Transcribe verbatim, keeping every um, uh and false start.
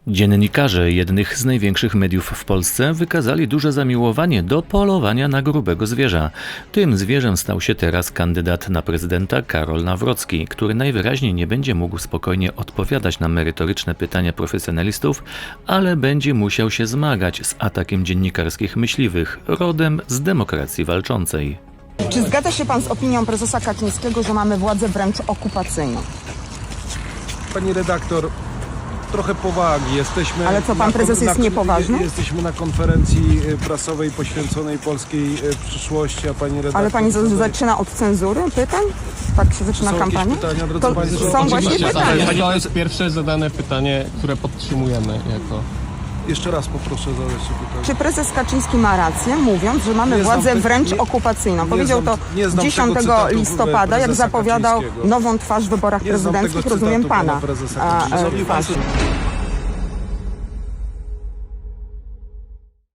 Dziennikarze jednych z największych mediów w Polsce wykazali duże zamiłowanie do polowania na grubego zwierza. Tym zwierzem stał się teraz kandydat na prezydenta Karol Nawrocki, który najwyraźniej nie będzie mógł spokojnie odpowiadać na merytoryczne pytania profesjonalistów, ale będzie musiał się zmagać z atakiem dziennikarskich myśliwych, rodem z demokracji walczącej. Czy zgadza się pan z opinią prezesa Kaczyńskiego, że mamy władzę wręcz okupacyjną? Pani redaktor, trochę powagi. Jesteśmy Ale co, pan na, prezes jest na, niepoważny? Jesteśmy na konferencji prasowej poświęconej polskiej przyszłości, a pani redaktor... Ale pani z- zaczyna od cenzury pytań? Tak się zaczyna Są jakieś kampania? pytania, drodzy To państwo? są właśnie Oczywiście, pytania. tak. To jest pierwsze zadane pytanie, które podtrzymujemy jako... Jeszcze raz poproszę zadać się pytanie. Czy prezes Kaczyński ma rację, mówiąc, że mamy Nie znam władzę te- wręcz nie- okupacyjną? nie Powiedział znam- to nie znam tego dziesiątego cytatu listopada, jak prezesa zapowiadał Kaczyńskiego. nową twarz w wyborach Nie znam tego prezydenckich, rozumiem cytatu pana pana prezesa a, Kaczyńskiego. e, twarz.